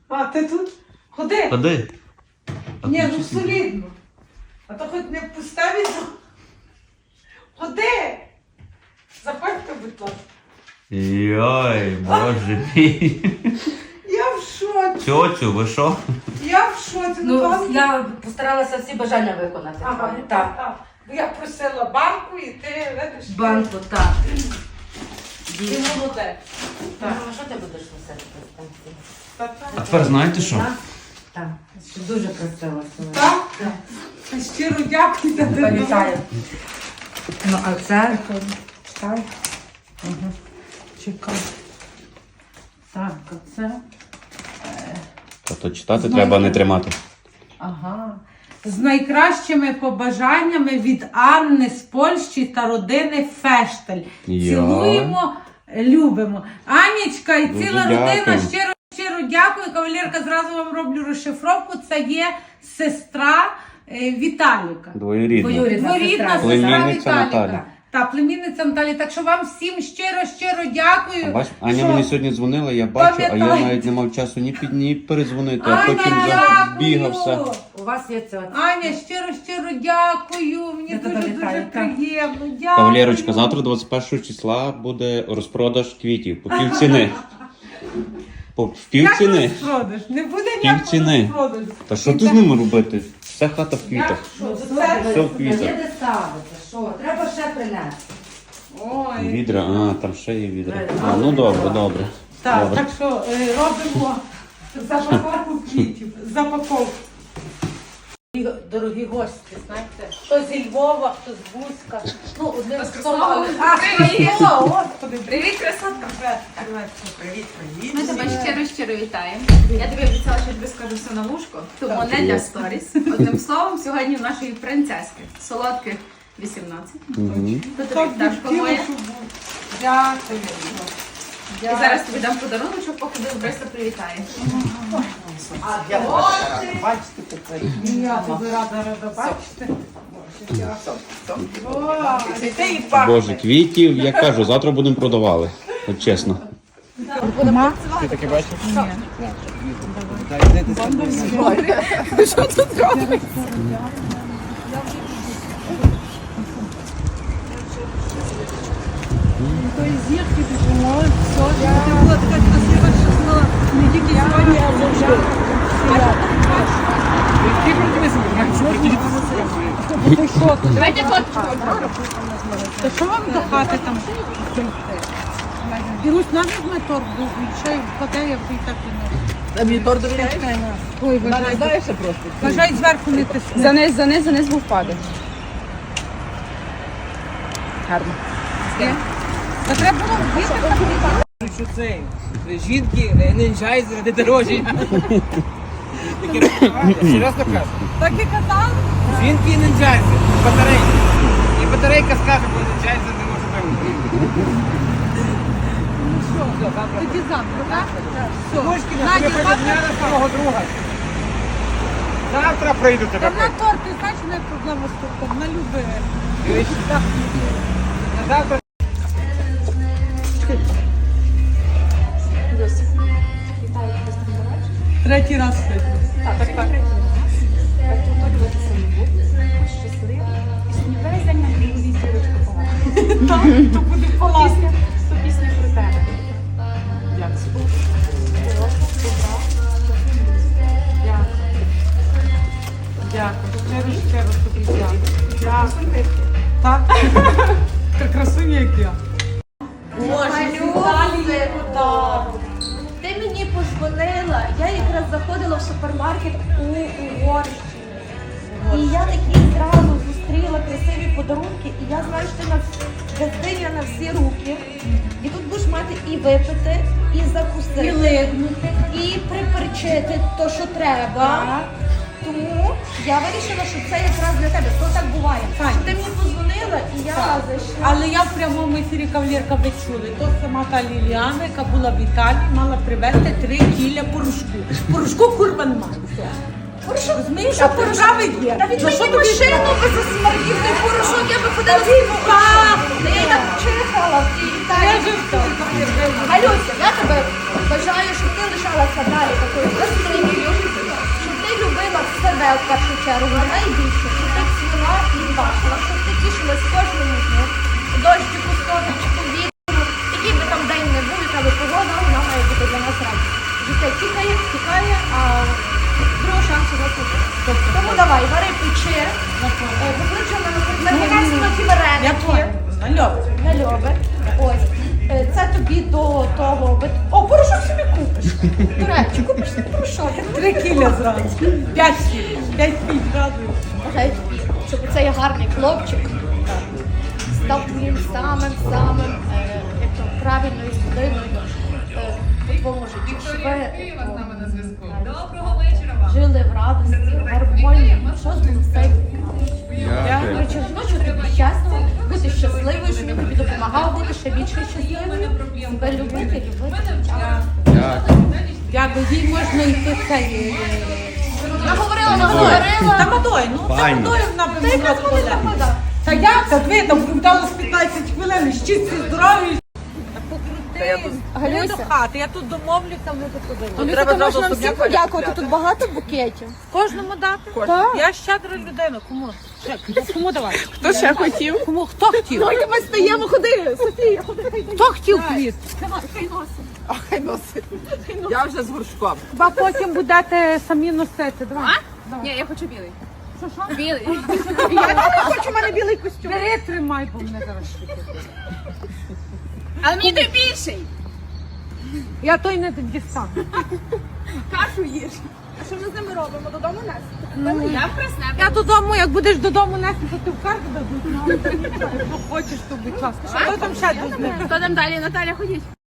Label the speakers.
Speaker 1: А ти тут? Ходи.
Speaker 2: Ходи.
Speaker 1: Ні, ну солідно. А то хоч не поставі. Ходи. Заходьте, будь ласка.
Speaker 2: Йой, боже мій.
Speaker 1: Я в шоці.
Speaker 2: Тьотю, ви що?
Speaker 1: Я в шоці.
Speaker 3: Ну, я постаралася всі бажання виконати.
Speaker 1: Ага,
Speaker 3: Так.
Speaker 1: Бо я просила банку і ти видиш.
Speaker 3: Банку, так.
Speaker 1: Ти молодець.
Speaker 3: Так. Ну, що ти будеш носити по станції?
Speaker 2: А тепер знаєте що?
Speaker 3: Так. Дуже красиво сьогодні.
Speaker 1: Так? Щиро дякую за тебе.
Speaker 3: Вітаю. Ну, а це? Читай.
Speaker 1: Чекай.
Speaker 3: Так, а це?
Speaker 2: Тобто читати треба не тримати.
Speaker 1: Ага. З найкращими побажаннями від Анни з Польщі та родини Фештель.
Speaker 2: Я.
Speaker 1: Цілуємо, любимо. Анічка і
Speaker 2: Дуже
Speaker 1: ціла родина
Speaker 2: дякую.
Speaker 1: щиро дякую. Кавалерка, зразу вам роблю розшифровку. Це є сестра Віталіка.
Speaker 2: Двоюрідно.
Speaker 3: Двоюрідна.
Speaker 1: Дворідна сестра
Speaker 2: Племінниця
Speaker 1: Віталіка.
Speaker 2: Наталі.
Speaker 1: Та, племінниця Наталі. Так що вам всім щиро дякую.
Speaker 2: Бач, Аня
Speaker 1: що-
Speaker 2: мені сьогодні дзвонила, я бачу, а я
Speaker 1: Пам'ятаю.
Speaker 2: навіть не мав часу ні перезвонити, а
Speaker 1: Аня,
Speaker 2: потім
Speaker 1: дякую.
Speaker 2: забігався.
Speaker 3: У вас є це.
Speaker 1: Аня, щиро дякую. Мені
Speaker 3: Я тебе
Speaker 1: дуже
Speaker 3: вітаю, так.
Speaker 1: приємно. Дякую.
Speaker 2: Кавалерочка, завтра 21 числа буде розпродаж квітів по півціни. В півціни.
Speaker 1: Як розпродаж? Не буде ніякого
Speaker 2: Півціни.
Speaker 1: розпродажу.
Speaker 2: Та що ти з ними робити? Вся хата в
Speaker 1: Як
Speaker 2: квітах.
Speaker 1: що?
Speaker 3: Ну,
Speaker 1: Це...
Speaker 2: Все в квітах.
Speaker 3: Є де ставити, що? Треба ще принести.
Speaker 1: Ой.
Speaker 2: Відра, там ще є відра. Ну добре.
Speaker 1: Так,
Speaker 2: Добре.
Speaker 1: так що робимо запаковку квітів. Запаковку. Дорогі гості, знаєте, хто зі Львова, хто з Бузька. Ну, одним словом.
Speaker 4: Привіт!
Speaker 1: Господи,
Speaker 4: Привіт, красотка!
Speaker 1: привіт.
Speaker 4: Ми тебе щиро вітаємо. Я тобі обіцяла, що тобі скажу все на вушко, тому не для сторіс. Одним словом, сьогодні в нашої принцески солодких 18.
Speaker 2: Мгм.
Speaker 4: Тут
Speaker 1: Так
Speaker 4: тобі пташка
Speaker 1: хотіла,
Speaker 4: моя.
Speaker 1: щоб був. Дякую.
Speaker 4: І зараз тобі дам подарунок, поки ти Бриста привітає.
Speaker 1: Я тобі рада бачити.
Speaker 2: Боже, квітів, я кажу, завтра будемо продавали. От чесно.
Speaker 4: Давайте фотку.
Speaker 1: Та що вам до хати там? Ірусь, нам візьме торт був, ще й вкладе, я б і так і не.
Speaker 5: А мені торт довіряєш?
Speaker 1: Ой, вважай,
Speaker 5: Знаєшся просто.
Speaker 1: вважай, зверху не тисни.
Speaker 4: Заниз був впаде.
Speaker 5: Гарно.
Speaker 1: Та треба було вбити.
Speaker 5: Що це? Жінки не нжають заради дорожі. Таке розповідає. Серйозно кажу.
Speaker 1: Так і казав.
Speaker 5: Жінки не нжаються. Батарейки. І батарейка скаже, бо не нжається, не може вивити.
Speaker 1: Тоді завтра, так? Все.
Speaker 5: Дочки,
Speaker 1: Надя,
Speaker 5: тобі придняли свого друга. Завтра прийду тебе.
Speaker 1: Та на торт, ти знаєш, не проблема з тортом, на любе.
Speaker 5: Завтра.
Speaker 1: Третій раз сьогодні.
Speaker 4: Щасливий. І сьогодні весь день нам буде зірочка погана.
Speaker 1: То буде класно.
Speaker 4: То пісня про тебе.
Speaker 1: Дякую. Щиро тобі дякую. Так? Така красуня, як я.
Speaker 6: Малюси, ти мені подзвонила, я якраз заходила в супермаркет у Угорщині. І я такі зразу зустріла красиві подарунки, і я знаю, що ти газдиня на всі руки. І тут будеш мати і випити, і закусити,
Speaker 1: І лигнути.
Speaker 6: і приперчити то, що треба. Тому я вирішила, що це якраз для тебе. То так буває.
Speaker 1: Так.
Speaker 6: Що ти мені подзвонила, і я зайшла.
Speaker 1: Але я в прямому ефірі кавалерка ви чули. То сама та Ліліана, яка була в Італії, мала привезти 3 кіля порошку. Порошку курва немає.
Speaker 6: Порошок,
Speaker 1: Розумієш,
Speaker 6: що
Speaker 1: а порошок є.
Speaker 6: Та від
Speaker 1: За що
Speaker 6: мені
Speaker 1: тобі
Speaker 6: машину без засмердів, порошок, я би ходила з я її так чихала в тій Італії. Галюся, я тебе бажаю, щоб ти лишалася далі такою красивою, щоб ти любила себе в першу чергу, найбільше, щоб ти цвіла і бачила, щоб ти тішилась кожному дню, дощику, сонечку, вітру, який би там день не був, яка би погода, вона має бути для нас радість. Життя тікає, а другого шансу не буде. Тому давай, вари печи, покличе на ті
Speaker 1: Я
Speaker 6: вареники.
Speaker 1: поняла. Нальоби.
Speaker 6: Нальоби. Ось. Це тобі до того. О, порошок собі купиш. До речі, купиш собі порошок.
Speaker 1: 3 кіля зразу. 5 кіл. 5 кіл зразу.
Speaker 6: Бажаю тобі, щоб цей гарний хлопчик став твоїм самим, як то, правильною людиною у твоєму житті. Щоб ви жили в радості, в гармонії, що з ним все. Коротше, хочу тобі щастя, бути щасливою, щоб він тобі допомагав бути ще більше щасливою, себе любити.
Speaker 1: Дякую. Їй можна йти цей...
Speaker 6: Наговорила.
Speaker 1: Та Мадой, ну це
Speaker 2: Файно.
Speaker 1: Мадой вона би
Speaker 6: Та
Speaker 1: могла
Speaker 6: якраз коли
Speaker 1: сказати.
Speaker 6: нападав.
Speaker 1: Та як? Та ви там вдалося 15 хвилин, щасті здорові. Покрути,
Speaker 6: Галюся.
Speaker 1: до хати, я тут домовлюся, ми тут
Speaker 6: Треба можна всім подякувати, тут багато букетів.
Speaker 1: Кожному дати?
Speaker 6: Так.
Speaker 1: Я щедра людина, кому? Кому давати?
Speaker 7: Хто ще хотів?
Speaker 1: Кому? Хто хотів?
Speaker 7: Давайте ми стаємо, ходи, Софія, ходи.
Speaker 1: Хто хотів квіт?
Speaker 7: А хай носить. Я вже з горшком.
Speaker 1: Хіба потім будете самі носити, давай.
Speaker 4: Ні, я хочу білий. Що? Білий.
Speaker 7: Я хочу, в мене білий костюм.
Speaker 1: Бери, тримай, бо мене зараз швидко.
Speaker 4: Але мені той більший.
Speaker 1: Я той не дістану.
Speaker 7: Кашу їж. А що ми з ними робимо? Додому нести?
Speaker 4: Я присне.
Speaker 1: Я додому, як будеш додому нести, то ти в карту дадуть. Ну, але ти нічого, якщо хочеш, то будь ласка. Що там ще до них?
Speaker 4: Хто там далі? Наталя, ходіть.